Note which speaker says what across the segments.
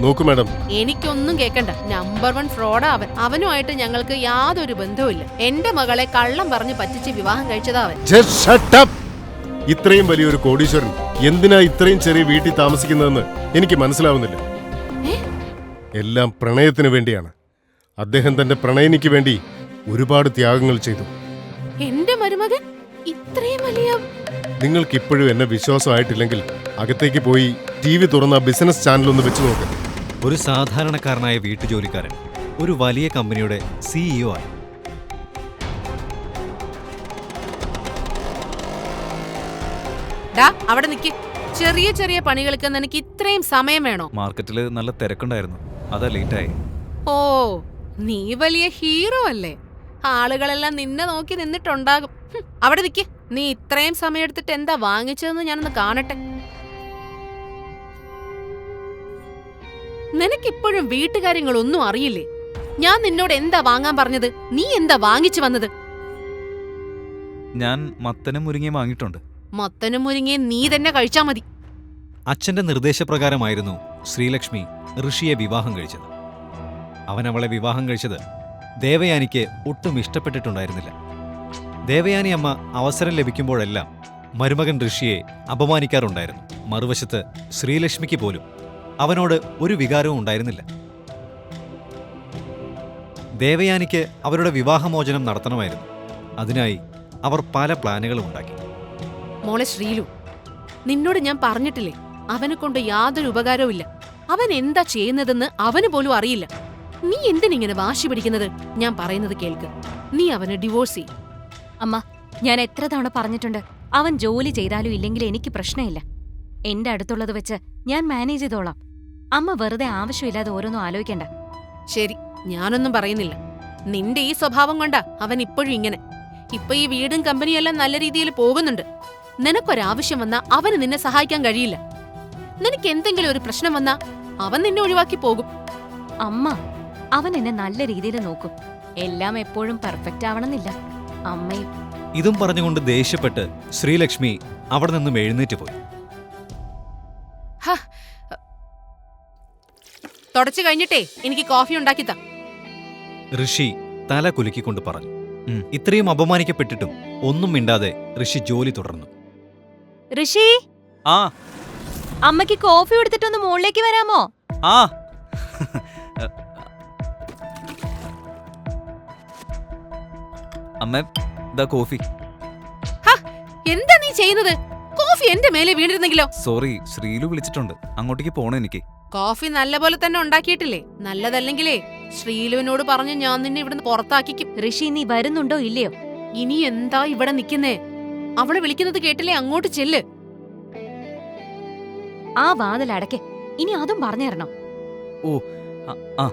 Speaker 1: നോക്കൂ മാഡം,
Speaker 2: എനിക്കൊന്നും കേക്കണ്ട. നമ്പർ 1 ഫ്രോഡാ അവൻ. അവനുമായിട്ട് ഞങ്ങൾക്ക് യാതൊരു ബന്ധവുമില്ല. എന്റെ മകളെ കള്ളം പറഞ്ഞ് പറ്റിച്ച് വിവാഹം കഴിച്ചതാ അവൻ.
Speaker 1: Just shut up! ഇത്രയും വലിയൊരു കോടീശ്വരൻ എന്തിനാ ഇത്രയും ചെറിയ വീട്ടിൽ താമസിക്കുന്നതെന്ന് എനിക്ക് മനസ്സിലാവുന്നില്ല. എല്ലാം പ്രണയത്തിന് വേണ്ടിയാണ്. അദ്ദേഹം തന്റെ പ്രണയിനിക്ക് വേണ്ടി ഒരുപാട് ത്യാഗങ്ങൾ ചെയ്തു.
Speaker 2: എന്റെ മരുമകൻ ഇത്രയും വലിയ...
Speaker 1: നിങ്ങൾക്ക് ഇപ്പോഴും എന്നെ വിശ്വാസമായിട്ടില്ലെങ്കിൽ അകത്തേക്ക് പോയി TV തുറന്ന ബിസിനസ് ചാനൽ ഒന്ന് വെച്ച് നോക്ക്.
Speaker 3: ഒരു സാധാരണക്കാരനായ വീട്ടുജോലിക്കാരൻ ഒരു വലിയ കമ്പനിയുടെ CEO ആയി.
Speaker 2: അവിടെ നിക്ക്. ചെറിയ ചെറിയ പണികൾക്ക് നിനക്ക് ഇത്രയും സമയം വേണോ?
Speaker 4: മാർക്കറ്റില് നല്ല തിരക്കുണ്ടായിരുന്നു, അതാ ലേറ്റായി.
Speaker 2: ഓ, നീ വലിയ ഹീറോ അല്ലേ? ആളുകളെല്ലാം നിന്നെ നോക്കി നിന്നിട്ടുണ്ടാകും. അവിടെ നിക്ക്. നീ ഇത്രയും സമയം എടുത്തിട്ട് എന്താ വാങ്ങിച്ചതെന്ന് ഞാനൊന്ന് കാണട്ടെ. നിനക്കിപ്പോഴും വീട്ടുകാര്യങ്ങളൊന്നും അറിയില്ലേ? ഞാൻ നിന്നോട് എന്താ വാങ്ങാൻ പറഞ്ഞത്? നീ എന്താ വാങ്ങിച്ചു വന്നത്?
Speaker 4: ഞാൻ മത്തനും മുരിങ്ങയും വാങ്ങിയിട്ടുണ്ട്.
Speaker 2: മത്തനും മുരിങ്ങയും നീ തന്നെ കഴിച്ചാ മതി.
Speaker 3: അച്ഛന്റെ നിർദ്ദേശപ്രകാരമായിരുന്നു ശ്രീലക്ഷ്മി ഋഷിയെ വിവാഹം കഴിച്ചത്. അവൻ അവളെ വിവാഹം കഴിച്ചത് ദേവയാനിക്ക് ഒട്ടും ഇഷ്ടപ്പെട്ടിട്ടുണ്ടായിരുന്നില്ല. ദേവയാനി അമ്മ അവസരം ലഭിക്കുമ്പോഴെല്ലാം മരുമകൻ ഋഷിയെ അപമാനിക്കാറുണ്ടായിരുന്നു. മറുവശത്ത് ശ്രീലക്ഷ്മിക്ക് പോലും അവനോട് ഒരു വികാരവും ഉണ്ടായിരുന്നില്ല. ദേവയാനിക്ക് അവരുടെ വിവാഹമോചനം നടത്തണമായിരുന്നു. അതിനായി അവർ പല പ്ലാനുകളും ഉണ്ടാക്കി.
Speaker 2: മോളെ ശ്രീലു, നിന്നോട് ഞാൻ പറഞ്ഞിട്ടില്ലേ, അവനെ കൊണ്ട് യാതൊരു ഉപകാരവും ഇല്ല. അവൻ എന്താ ചെയ്യുന്നതെന്ന് അവന് പോലും അറിയില്ല. നീ എന്തിനിങ്ങനെ വാശി പിടിക്കുന്നത്? ഞാൻ പറയുന്നത് കേൾക്ക്. നീ അവനെ ഡിവോഴ്സ് ചെയ്യും.
Speaker 5: അമ്മ, ഞാൻ എത്ര തവണ പറഞ്ഞിട്ടുണ്ട്, അവൻ ജോലി ചെയ്താലും ഇല്ലെങ്കിലും എനിക്ക് പ്രശ്നമില്ല. എന്റെ അടുത്തുള്ളത് വെച്ച് ഞാൻ മാനേജ് ചെയ്തോളാം. അമ്മ വെറുതെ ആവശ്യമില്ലാതെ ഓരോന്നും ആലോചിക്കണ്ട.
Speaker 2: ശരി, ഞാനൊന്നും പറയുന്നില്ല. നിന്റെ ഈ സ്വഭാവം കൊണ്ടാ അവൻ ഇപ്പോഴും ഇങ്ങനെ. ഇപ്പൊ ഈ വീടും കമ്പനിയും എല്ലാം നല്ല രീതിയിൽ പോകുന്നുണ്ട്. നിനക്കൊരാവശ്യം വന്നാ അവന് നിന്നെ സഹായിക്കാൻ കഴിയില്ല. നിനക്ക് എന്തെങ്കിലും ഒരു പ്രശ്നം വന്നാ അവൻ നിന്നെ ഒഴിവാക്കി പോകും.
Speaker 5: അമ്മ, അവൻ എന്നെ നല്ല രീതിയിൽ നോക്കും. എല്ലാം എപ്പോഴും പെർഫെക്റ്റ് ആവണമെന്നില്ല. അമ്മയും...
Speaker 3: ഇതും പറഞ്ഞുകൊണ്ട് ദേഷ്യപ്പെട്ട് ശ്രീലക്ഷ്മി അവിടെ നിന്നും എഴുന്നേറ്റ് പോയി.
Speaker 2: തുടച്ചു കഴിഞ്ഞിട്ടേ എനിക്ക് കോഫി ഉണ്ടാക്കിത്താ.
Speaker 3: ഋഷി തല കുലുക്കിക്കൊണ്ട് പറഞ്ഞു. ഇത്രയും അപമാനിക്കപ്പെട്ടിട്ടും ഒന്നും മിണ്ടാതെ ഋഷി ജോലി തുടർന്നു.
Speaker 5: ഋഷി,
Speaker 4: ആ
Speaker 5: അമ്മയ്ക്ക് കോഫി കൊടുത്തിട്ടൊന്ന് മുകളിലേക്ക് വരാമോ?
Speaker 4: ആ അമ്മ, ഇതാ കോഫി.
Speaker 2: എന്താ നീ ചെയ്യുന്നത്? കോഫി എന്റെ മേലെ വീണിരുന്നെങ്കിലോ?
Speaker 4: സോറി, ശ്രീലു വിളിച്ചിട്ടുണ്ട്, അങ്ങോട്ടേക്ക് പോണം എനിക്ക്.
Speaker 2: കോഫി നല്ലപോലെ തന്നെ ഉണ്ടാക്കിയിട്ടില്ലേ? നല്ലതല്ലെങ്കിലേ ശ്രീലുവിനോട് പറഞ്ഞ് ഞാൻ നിന്നെ ഇവിടുന്ന് പുറത്താക്കിക്കും.
Speaker 5: ഋഷി, നീ വരുന്നുണ്ടോ ഇല്ലയോ?
Speaker 2: ഇനി എന്താ ഇവിടെ നിക്കുന്നേ? അവളെ വിളിക്കുന്നത് കേട്ടില്ലേ? അങ്ങോട്ട് ചെല്ല്.
Speaker 5: ആ വാതിൽ അടയ്ക്ക്. ഇനി അതും പറഞ്ഞു തരണം.
Speaker 4: ഓ, ആ.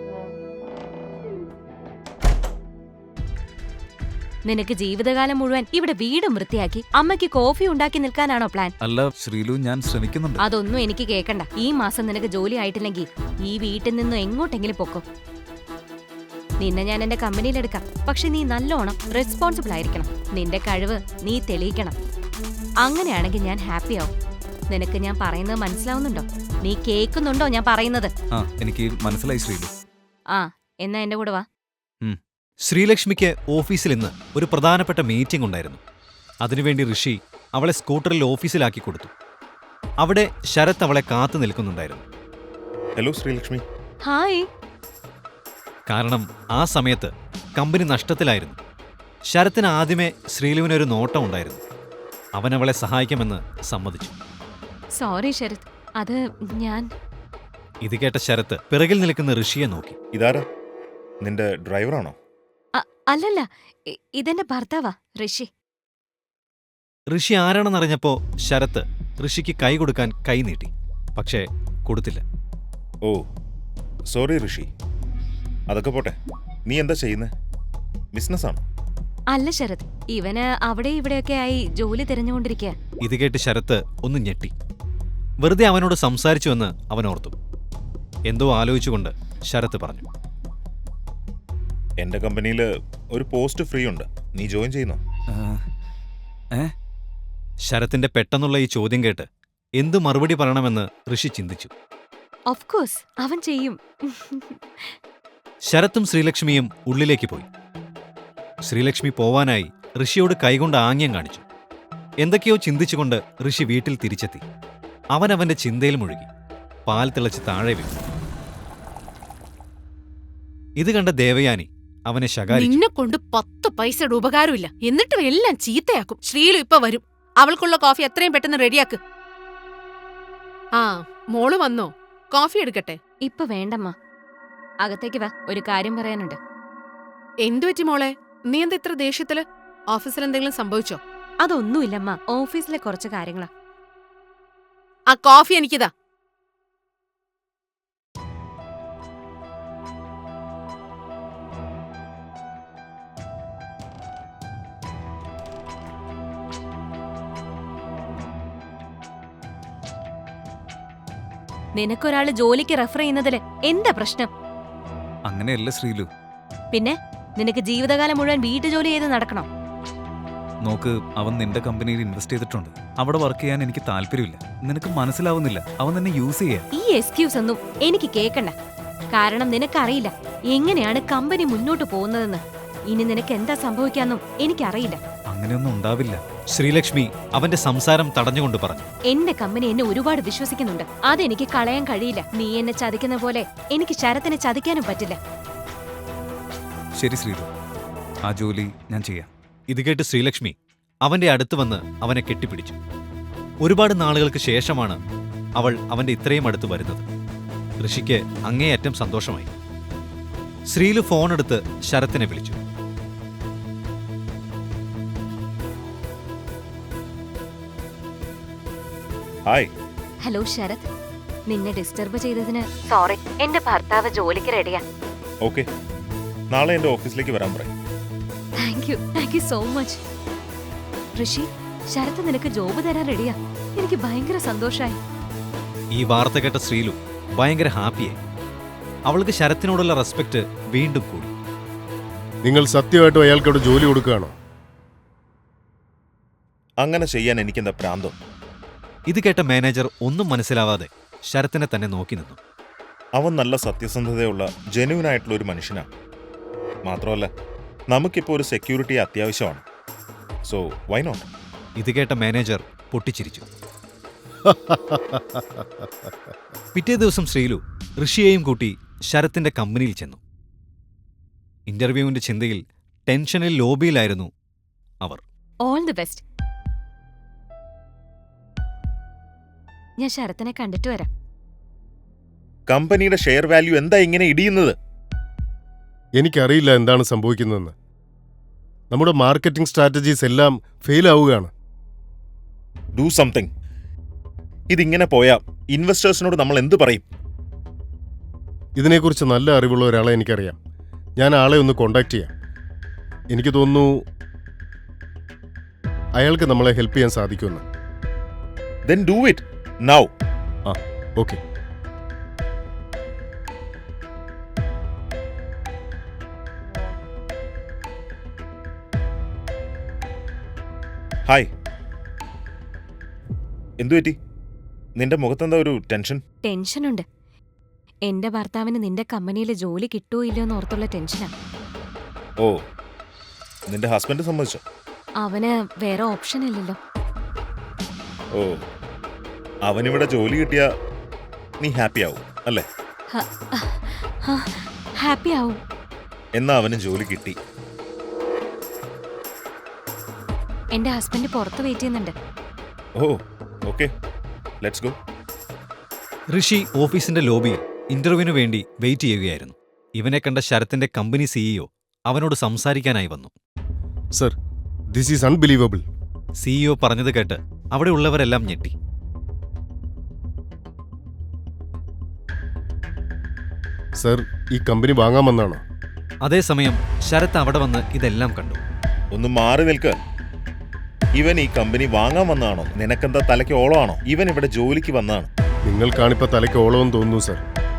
Speaker 5: നിനക്ക് ജീവിതകാലം മുഴുവൻ ഇവിടെ വീടും വൃത്തിയാക്കി അമ്മയ്ക്ക് കോഫി ഉണ്ടാക്കി നിൽക്കാനാണോ പ്ലാൻ?
Speaker 4: അല്ല ശ്രീലു, ഞാൻ ശ്രമിക്കുന്നുണ്ട്.
Speaker 5: അതൊന്നും എനിക്ക് കേൾക്കണ്ട. ഈ മാസം നിനക്ക് ജോലി ആയിട്ടില്ലെങ്കിൽ ഈ വീട്ടിൽ നിന്നും എങ്ങോട്ടെങ്കിലും പൊക്കോ. നിന്നെ ഞാൻ എന്റെ കമ്പനിയിലെടുക്കാം. പക്ഷെ നീ നല്ലോണം റെസ്പോൺസിബിൾ ആയിരിക്കണം. നിന്റെ കഴിവ് നീ തെളിയിക്കണം. അങ്ങനെയാണെങ്കിൽ ഞാൻ ഹാപ്പി ആവും. നിനക്ക് ഞാൻ പറയുന്നത് മനസ്സിലാവുന്നുണ്ടോ? നീ കേൾക്കുന്നുണ്ടോ ഞാൻ പറയുന്നത്?
Speaker 4: എനിക്ക് മനസ്സിലായി ശ്രീലു.
Speaker 5: ആ, എന്നാ എന്റെ കൂടെ വാ.
Speaker 3: ശ്രീലക്ഷ്മിക്ക് ഓഫീസിൽ ഇന്ന് ഒരു പ്രധാനപ്പെട്ട മീറ്റിംഗ് ഉണ്ടായിരുന്നു. അതിനുവേണ്ടി ഋഷി അവളെ സ്കൂട്ടറിൽ ഓഫീസിലാക്കി കൊടുത്തു. അവിടെ ശരത് അവളെ കാത്തു നിൽക്കുന്നുണ്ടായിരുന്നു.
Speaker 6: ഹലോ ശ്രീലക്ഷ്മി.
Speaker 5: ഹായ്.
Speaker 3: കാരണം ആ സമയത്ത് കമ്പനി നഷ്ടത്തിലായിരുന്നു. ശരത്തിന് ആദ്യമേ ശ്രീലുവിനൊരു നോട്ടം ഉണ്ടായിരുന്നു. അവൻ അവളെ സഹായിക്കുമെന്ന് സമ്മതിച്ചു.
Speaker 5: സോറി ശരത്, അത് ഞാൻ...
Speaker 3: ഇത് കേട്ട ശരത്ത് പിറകിൽ നിൽക്കുന്ന ഋഷിയെ നോക്കി.
Speaker 6: ഇതാരാ? നിന്റെ ഡ്രൈവറാണോ?
Speaker 5: അല്ലല്ല, ഇതെന്റെ ഭർത്താവാ, ഋഷി.
Speaker 3: ഋഷി ആരാണെന്നറിഞ്ഞപ്പോ ശരത്ത് ഋഷിക്ക് കൈ കൊടുക്കാൻ കൈ നീട്ടി. പക്ഷേ കൊടുത്തില്ല.
Speaker 6: Oh sorry Rishi. അതൊക്കെ പോട്ടെ, നീ എന്താ ചെയ്യുന്നേ? ബിസിനസ്സാണോ?
Speaker 5: അല്ല ശരത്, ഇവന് അവിടെ ഇവിടെയൊക്കെ ആയി ജോലി തിരഞ്ഞുകൊണ്ടിരിക്കുക.
Speaker 3: ഇത് കേട്ട് ശരത്ത് ഒന്ന് ഞെട്ടി. വെറുതെ അവനോട് സംസാരിച്ചുവെന്ന് അവൻ ഓർത്തു. എന്തോ ആലോചിച്ചുകൊണ്ട് ശരത്ത് പറഞ്ഞു.
Speaker 6: എന്റെ കമ്പനിയിൽ ഒരു പോസ്റ്റ് ഫ്രീ ഉണ്ട്, നീ ജോയിൻ ചെയ്യുന്നോ?
Speaker 3: ശരത്തിന്റെ പെട്ടെന്നുള്ള ഈ ചോദ്യം കേട്ട് എന്തു മറുപടി പറയണമെന്ന് ഋഷി ചിന്തിച്ചു.
Speaker 5: ഓഫ് കോഴ്സ് അവൻ ചെയ്യും.
Speaker 3: ശരത്തും ശ്രീലക്ഷ്മിയും ഉള്ളിലേക്ക് പോയി. ശ്രീലക്ഷ്മി പോവാനായി ഋഷിയോട് കൈകൊണ്ട് ആംഗ്യം കാണിച്ചു. എന്തൊക്കെയോ ചിന്തിച്ചുകൊണ്ട് ഋഷി വീട്ടിൽ തിരിച്ചെത്തി. അവൻ അവന്റെ ചിന്തയിൽ മുഴുകി. പാൽ തിളച്ച് താഴെ വീണു. ഇത് കണ്ട ദേവയാനി അവനെ ശകാരിച്ചു.
Speaker 2: നിന്നെ കൊണ്ട് 10 പൈസയുടെ ഉപകാരമില്ല. എന്നിട്ടും എല്ലാം ചീത്തയാക്കും. ശ്രീലു ഇപ്പൊ വരും. അവൾക്കുള്ള കോഫി എത്രയും പെട്ടെന്ന് റെഡിയാക്ക്. ആ, മോള് വന്നോ? കോഫി എടുക്കട്ടെ?
Speaker 5: ഇപ്പൊ വേണ്ടമ്മ, അകത്തേക്ക് വാ, ഒരു കാര്യം പറയാനുണ്ട്.
Speaker 2: എന്തുപറ്റി മോളെ? നീ എന്താ ഇത്ര ദേഷ്യത്തില്? ഓഫീസിൽ എന്തെങ്കിലും സംഭവിച്ചോ?
Speaker 5: അതൊന്നുമില്ലമ്മ, ഓഫീസിലെ കുറച്ച് കാര്യങ്ങളാ.
Speaker 2: ആ കോഫി എനിക്കിതാ.
Speaker 5: നിനക്കൊരാള് ജോലിക്ക് റെഫർ ചെയ്യുന്നതില് എന്താ പ്രശ്നം?
Speaker 4: അങ്ങനെയല്ല ശ്രീലു.
Speaker 5: പിന്നെ നിനക്ക് ജീവിതകാലം മുഴുവൻ വീട്ടുജോലി ചെയ്ത് നടക്കണം?
Speaker 4: നോക്ക്, അവൻ നിന്റെ കമ്പനിയിൽ ഇൻവെസ്റ്റ് ചെയ്തിട്ടുണ്ട്. അവിടെ വർക്ക് ചെയ്യാൻ എനിക്ക് താല്പര്യമില്ല. നിനക്ക് മനസ്സിലാവുന്നില്ല. അവൻ നിന്നെ യൂസ് ചെയ്യാ.
Speaker 5: ഈ എക്സ്ക്യൂസ് ഒന്നും എനിക്ക് കേക്കണ്ട. കാരണം നിനക്കറിയില്ല എങ്ങനെയാണ് കമ്പനി മുന്നോട്ട് പോകുന്നതെന്ന്. ഇനി നിനക്ക് എന്താ സംഭവിക്കാന്നും എനിക്കറിയില്ല.
Speaker 4: അങ്ങനെയൊന്നും ഉണ്ടാവില്ല.
Speaker 3: ശ്രീലക്ഷ്മി അവന്റെ സംസാരം തടഞ്ഞുകൊണ്ട് പറഞ്ഞു.
Speaker 5: എന്റെ കമ്പനി എന്നെ ഒരുപാട് വിശ്വസിക്കുന്നുണ്ട്. അതെനിക്ക് കളയാൻ കഴിയില്ല. നീ എന്നെ ചതിക്കുന്ന പോലെ എനിക്ക് ശരത്തിനെ ചതിക്കാനും പറ്റില്ല.
Speaker 4: ശരി ശ്രീലു, ആ ജോലി ഞാൻ ചെയ്യാം.
Speaker 3: ഇത് കേട്ട് ശ്രീലക്ഷ്മി അവന്റെ അടുത്ത് വന്ന് അവനെ കെട്ടിപ്പിടിച്ചു. ഒരുപാട് നാളുകൾക്ക് ശേഷമാണ് അവൾ അവന്റെ ഇത്രയും അടുത്ത് വരുന്നത്. ഋഷിക്ക് അങ്ങേയറ്റം സന്തോഷമായി. ശ്രീലു ഫോണെടുത്ത് ശരത്തിനെ വിളിച്ചു.
Speaker 6: ഹായ്.
Speaker 5: ഹലോ ശരത്, നിന്നെ ഡിസ്റ്റർബ് ചെയ്തതിന് സോറി. എന്റെ ഭർത്താവ് ജോലിക്ക് റെഡിയാ.
Speaker 6: ഓക്കെ, നാളെ എൻ്റെ ഓഫീസിലേക്ക് വരാൻ പറയും.
Speaker 5: Thank you so much. Rishi, Sarath നിനക്ക് ജോബ് തരാൻ റെഡിയാ. എനിക്ക് ഭയങ്കര സന്തോഷായി.
Speaker 3: ഈ വാർത്ത കേട്ട ശ്രീലു ഭയങ്കര ഹാപ്പിയായി. അവൾക്ക് ശരത്തിനോടുള്ള റെസ്പെക്ട് വീണ്ടും കൂടി.
Speaker 1: നിങ്ങൾ സത്യമായിട്ടും അയാൾക്കവിടെ ജോലി കൊടുക്കുകയാണോ?
Speaker 6: അങ്ങനെ ചെയ്യാൻ എനിക്കെന്താ പ്രാന്തം?
Speaker 3: ഇത് കേട്ട മാനേജർ ഒന്നും മനസ്സിലാവാതെ ശരത്തിനെ തന്നെ നോക്കി നിന്നു.
Speaker 6: അവൻ നല്ല സത്യസന്ധതയുള്ള ജെന്യുവനായിട്ടുള്ള ഒരു മനുഷ്യനാണ്. മാത്രമല്ല, നമുക്കിപ്പോൾ ഒരു സെക്യൂരിറ്റി അത്യാവശ്യമാണ്. So why not?
Speaker 3: ഇത് കേട്ട മാനേജർ പൊട്ടിച്ചിരിച്ചു. പിറ്റേ ദിവസം ശ്രീലു ഋഷിയെയും കൂട്ടി ശരത്തിന്റെ കമ്പനിയിൽ ചെന്നു. ഇന്റർവ്യൂവിന്റെ ചിന്തയിൽ ടെൻഷനിൽ ലോബിയിലായിരുന്നു അവർ.
Speaker 5: All the best. ഞാൻ ശരത്തിനെ കണ്ടിട്ട് വരാം.
Speaker 6: കമ്പനിയുടെ ഷെയർ വാല്യൂ എന്താ ഇങ്ങനെ ഇടിയുന്നത്?
Speaker 1: എനിക്കറിയില്ല എന്താണ് സംഭവിക്കുന്നതെന്ന്. നമ്മുടെ മാർക്കറ്റിംഗ് സ്ട്രാറ്റജീസ് എല്ലാം ഫെയിൽ ആവുകയാണ്.
Speaker 6: Do something. ഇതിങ്ങനെ പോയാ ഇൻവെസ്റ്റേഴ്സിനോട് നമ്മൾ എന്ത് പറയും?
Speaker 1: ഇതിനെക്കുറിച്ച് നല്ല അറിവുള്ള ഒരാളെ എനിക്കറിയാം. ഞാൻ ആളെ ഒന്ന് കോണ്ടാക്ട് ചെയ്യാം. എനിക്ക് തോന്നുന്നു അയാൾക്ക് നമ്മളെ ഹെൽപ്പ് ചെയ്യാൻ സാധിക്കുമെന്ന്.
Speaker 6: Then do it now.
Speaker 1: Okay.
Speaker 6: Hi. എന്തു പറ്റി? നിന്റെ മുഖത്തെന്താ ഒരു ടെൻഷൻ?
Speaker 5: ടെൻഷനുണ്ട്. എന്റെ ഭർത്താവിന് നിന്റെ കമ്പനിയിൽ ജോലി കിട്ടുമോ ഇല്ലയോ എന്ന് ഓർത്തുള്ള ടെൻഷനാ.
Speaker 6: ഓ, നിന്റെ ഹസ്ബൻഡ് സമ്മതിച്ചോ?
Speaker 5: അവന് വേറെ ഓപ്ഷൻ ഇല്ലല്ലോ.
Speaker 6: ഓ, അവനിവിടെ ജോലി കിട്ടിയാ നീ ഹാപ്പി ആവും അല്ലേ?
Speaker 5: ഹാപ്പി ആവും.
Speaker 6: എന്നാ അവന് ജോലി കിട്ടി.
Speaker 5: എന്റെ ഹസ്ബൻഡ് പുറത്ത് വെയിറ്റ് ചെയ്യുന്നുണ്ട്.
Speaker 6: Oh, okay, let's go.
Speaker 3: Rishi ഓഫീസിന്റെ ലോബിയിൽ ഇന്റർവ്യൂവിനു വേണ്ടി വെയിറ്റ് ചെയ്യുകയായിരുന്നു. ഇവനെ കണ്ട ശരത്തിന്റെ കമ്പനി സിഇഒ അവനോട് സംസാരിക്കാനായി വന്നു.
Speaker 1: Sir, this is unbelievable.
Speaker 3: CEO പറഞ്ഞത് കേട്ട് അവിടെ ഉള്ളവരെല്ലാം ഞെട്ടി.
Speaker 1: സർ, ഈ കമ്പനി വാങ്ങാമെന്നാണോ?
Speaker 3: അതേസമയം ശരത്ത് അവിടെ വന്ന് ഇതെല്ലാം കണ്ടു.
Speaker 6: ഒന്ന് മാറി നിൽക്ക്. ഇവൻ ഈ കമ്പനി വാങ്ങാൻ വന്നതാണോ? നിനക്കെന്താ തലയ്ക്ക് ഓളമാണോ? ഇവൻ ഇവിടെ ജോലിക്ക് വന്നതാണ്.
Speaker 1: നിങ്ങൾക്കാണിപ്പോൾ തലയ്ക്ക് ഓളമെന്ന് തോന്നുന്നു സർ.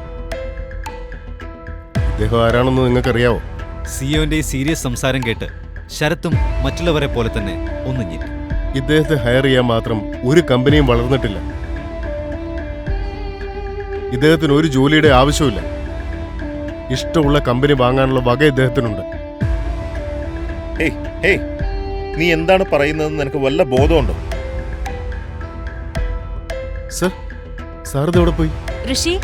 Speaker 1: ഇദ്ദേഹം ആരാണെന്ന് നിങ്ങൾക്കറിയാവോ?
Speaker 3: സിഇഒന്റെ ഈ സീരിയസ് സംസാരം കേട്ട് ശരത്തും മറ്റുള്ളവരെ പോലെ തന്നെ ഒന്ന് ഞെട്ടി.
Speaker 1: ഇദ്ദേഹത്തെ ഹയർ ചെയ്യാൻ മാത്രം ഒരു കമ്പനിയും വളർന്നിട്ടില്ല. ഇദ്ദേഹത്തിന് ഒരു ജോലിയുടെ ആവശ്യമില്ല. ഇഷ്ടമുള്ള കമ്പനി വാങ്ങാനുള്ള വക ഇദ്ദേഹത്തിനുണ്ട്.
Speaker 6: ഹേയ് ഹേയ്, നീ എന്താണ് പറയുന്നതെന്ന് നിനക്ക് വല്ല ബോധമുണ്ടോ?
Speaker 1: സർ, സാർ ഇത് എവിടെ പോയി?
Speaker 5: ഋഷി,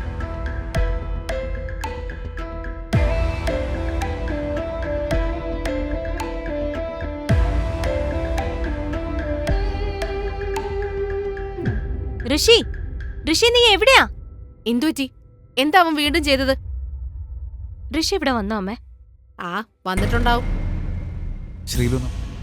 Speaker 5: ഋഷി, ഋഷി നീ എവിടെയാ?
Speaker 2: എന്തുപറ്റി? എന്താ അവൻ വീണ്ടും ചെയ്തത്?
Speaker 5: ഋഷി ഇവിടെ വന്നോ അമ്മേ?
Speaker 2: ആ, വന്നിട്ടുണ്ടാവും.
Speaker 4: ശ്രീലു,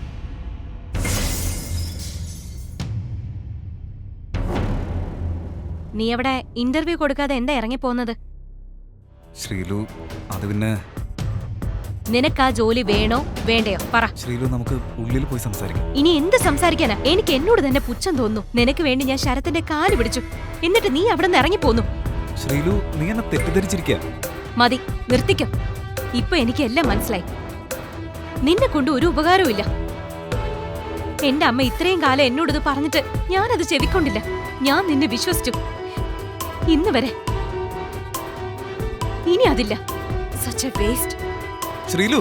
Speaker 5: നീ അവിടെ ഇന്റർവ്യൂ കൊടുക്കാതെ എന്താ ഇറങ്ങിപ്പോന്നത്?
Speaker 4: ശ്രീലു, അത് പിന്നെ
Speaker 5: നിനക്ക് ആ ജോലി വേണോ വേണ്ടയോ പറ.
Speaker 4: ശ്രീലു, നമുക്ക് ഉള്ളിൽ പോയി സംസാരിക്കാം.
Speaker 5: ഇനി എന്ത് സംസാരിക്കാനാ? എനിക്ക് എന്നോട് തന്നെ പുച്ഛം തോന്നുന്നു. നിനക്ക് വേണ്ടി ഞാൻ ശരത്തിന്റെ കാല് പിടിച്ചു, എന്നിട്ട് നീ അവിടെ നിന്ന് ഇറങ്ങിപ്പോന്നു.
Speaker 4: ശ്രീലു, നീ എന്നെ തെറ്റിദ്ധരിച്ചിരിക്കുക.
Speaker 5: മതി, നിർത്തിക്കും. ഇപ്പൊ എനിക്ക് എല്ലാം മനസ്സിലായി. നിന്നെ കൊണ്ട് ഒരു ഉപകാരവും ഇല്ല. എന്റെ അമ്മ ഇത്രയും കാലം എന്നോടിത് പറഞ്ഞിട്ട് ഞാനത് ചെവിക്കൊണ്ടില്ല. ഞാൻ നിന്നെ വിശ്വസിച്ചു ഇന്ന് വരെ. ഇനി അതില്ല. Such A waste.
Speaker 4: ശ്രീലു,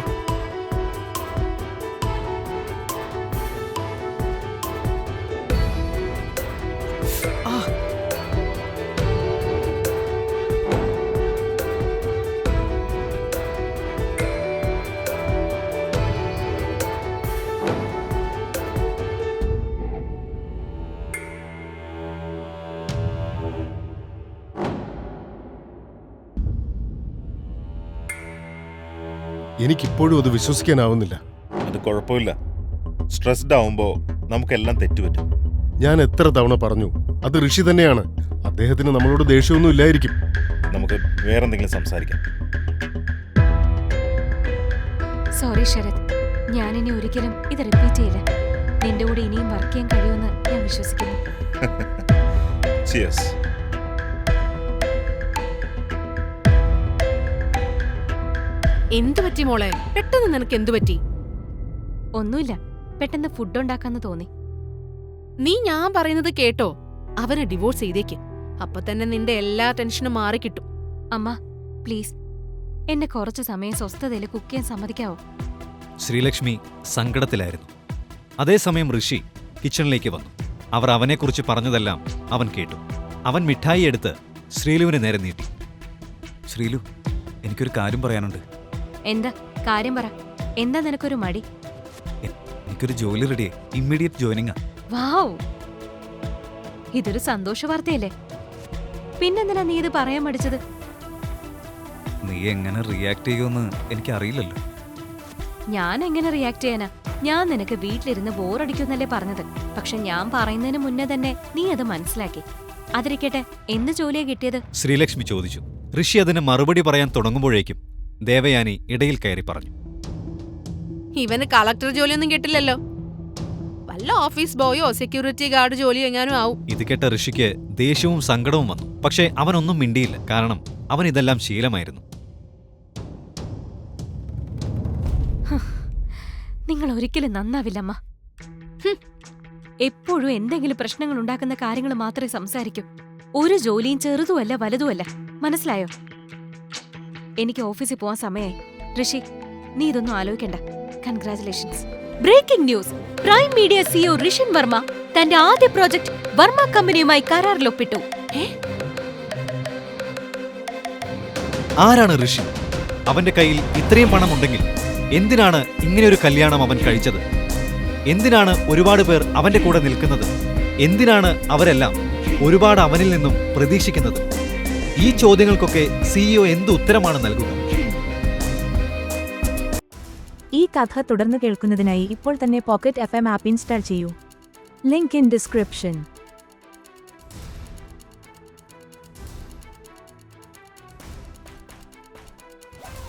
Speaker 1: എനിക്കിപ്പോഴും അത് വിശ്വസിക്കാനാവുന്നില്ല.
Speaker 6: അത് കുഴപ്പമില്ല. സ്ട്രെസ്ഡ് ആവുമ്പോൾ നമുക്കെല്ലാം തെറ്റുപറ്റും.
Speaker 1: ഞാൻ എത്ര തവണ പറഞ്ഞു, അത് ഋഷി തന്നെയാണ്. അദ്ദേഹത്തിന് നമ്മളോട് ദേഷ്യമൊന്നും ഇല്ലായിരിക്കും.
Speaker 6: നമുക്ക് വേറെന്തെങ്കിലും സംസാരിക്കാം.
Speaker 5: സോറി ശരത്, ഞാനിനി ഒരിക്കലും ഇത് റിപ്പീറ്റ് ചെയ്യില്ല. നിന്റെ കൂടെ ഇനിയും വർക്ക് ചെയ്യാൻ കഴിയുമെന്ന് ഞാൻ വിശ്വസിക്കുന്നു.
Speaker 6: Cheers.
Speaker 2: എന്തു പറ്റി മോളെ? പെട്ടെന്ന് നിനക്ക് എന്തു പറ്റി?
Speaker 5: ഒന്നുമില്ല, പെട്ടെന്ന് ഫുഡ് ഉണ്ടാക്കാന്ന് തോന്നി.
Speaker 2: നീ ഞാൻ പറയുന്നത് കേട്ടോ? അവനെ ഡിവോഴ്സ് ചെയ്തേക്ക്. അപ്പൊ തന്നെ നിന്റെ എല്ലാ ടെൻഷനും മാറിക്കിട്ടും.
Speaker 5: അമ്മ പ്ലീസ്, എന്നെ കുറച്ചു സമയം സ്വസ്ഥതയിൽ കുക്ക് ചെയ്യാൻ സമ്മതിക്കാവോ?
Speaker 3: ശ്രീലക്ഷ്മി സങ്കടത്തിലായിരുന്നു. അതേസമയം ഋഷി കിച്ചണിലേക്ക് വന്നു. അവർ അവനെക്കുറിച്ച് പറഞ്ഞതെല്ലാം അവൻ കേട്ടു. അവൻ മിഠായി എടുത്ത് ശ്രീലുവിന് നേരെ നീട്ടി.
Speaker 4: ശ്രീലു, എനിക്കൊരു കാര്യം പറയാനുണ്ട്.
Speaker 5: എന്താ കാര്യം പറ. എന്താ നിനക്കൊരു മടി?
Speaker 4: എനിക്കൊരു ജോലി റെഡിയായി. ഇമ്മീഡിയറ്റ് ജോയിനിങ്ങാ.
Speaker 5: വാവ്, ഇതൊരു സന്തോഷ വാർത്തയല്ലേ? പിന്നെന്തിനാ നീ ഇത് പറയാൻ മടിച്ചത്?
Speaker 4: നീ എങ്ങനെ റിയാക്ട് ചെയ്യുമെന്ന് എനിക്കറിയില്ലല്ലോ.
Speaker 5: ഞാൻ എങ്ങനെ റിയാക്ട് ചെയ്യാനാ? ഞാൻ നിനക്ക് വീട്ടിലിരുന്ന് ബോറടിക്കുമെന്നല്ലേ പറഞ്ഞത്. പക്ഷെ ഞാൻ പറയുന്നതിന് മുന്നേ തന്നെ നീ അത് മനസ്സിലാക്കി. അതിരിക്കട്ടെ, എന്ത് ജോലിയാ കിട്ടിയത്?
Speaker 3: ശ്രീലക്ഷ്മി ചോദിച്ചു. ഋഷി അതിന് മറുപടി പറയാൻ തുടങ്ങുമ്പോഴേക്കും ദേവയാനി ഇടയിൽ കയറി പറഞ്ഞു.
Speaker 2: ഇവന് കളക്ടർ ജോലിയൊന്നും കിട്ടില്ലല്ലോ. വല്ല ഓഫീസ് ബോയോ സെക്യൂരിറ്റി ഗാർഡ് ജോലിയോ എങ്ങാനും ആവും.
Speaker 3: ഇത് കേട്ട ഋഷിക്ക് ദേഷ്യവും സങ്കടവും വന്നു. പക്ഷേ അവനൊന്നും മിണ്ടിയില്ല. കാരണം അവൻ ഇതെല്ലാം ശീലമായിരുന്നു.
Speaker 5: നിങ്ങൾ ഒരിക്കലും നന്നാവില്ലമ്മ. എപ്പോഴും എന്തെങ്കിലും പ്രശ്നങ്ങൾ ഉണ്ടാക്കുന്ന കാര്യങ്ങൾ മാത്രമേ സംസാരിക്കൂ. ഒരു ജോലിയും ചെറുതുമല്ല വലുതുമല്ല. മനസ്സിലായോ? എനിക്ക് ഓഫീസിൽ പോവാൻ സമയമായി. ഋഷി, നീ ഇതൊന്നും ആലോചിക്കണ്ട. Congratulations. Breaking news! Prime media CEO Rishin Varma തന്റെ ആദ്യ പ്രോജക്ട് വർമ്മ കമ്പനിയുമായി കരാറിലൊപ്പിട്ടു.
Speaker 3: ആരാണ് ഋഷി? അവന്റെ കയ്യിൽ ഇത്രയും പണമുണ്ടെങ്കിൽ എന്തിനാണ് ഇങ്ങനെയൊരു കല്യാണം അവൻ കഴിച്ചത്? എന്തിനാണ് ഒരുപാട് പേർ അവന്റെ കൂടെ നിൽക്കുന്നത്? എന്തിനാണ് അവരെല്ലാം ഒരുപാട് അവനിൽ നിന്നും പ്രതീക്ഷിക്കുന്നത്? ഈ ചോദ്യങ്ങൾക്കൊക്കെ സിഇഒ എന്ത് ഉത്തരമാണ് നൽകുക?
Speaker 7: ഈ കഥ തുടർന്ന് കേൾക്കുന്നതിനായി ഇപ്പോൾ തന്നെ പോക്കറ്റ് FM ആപ്പ് ഇൻസ്റ്റാൾ ചെയ്യൂ. Link in description.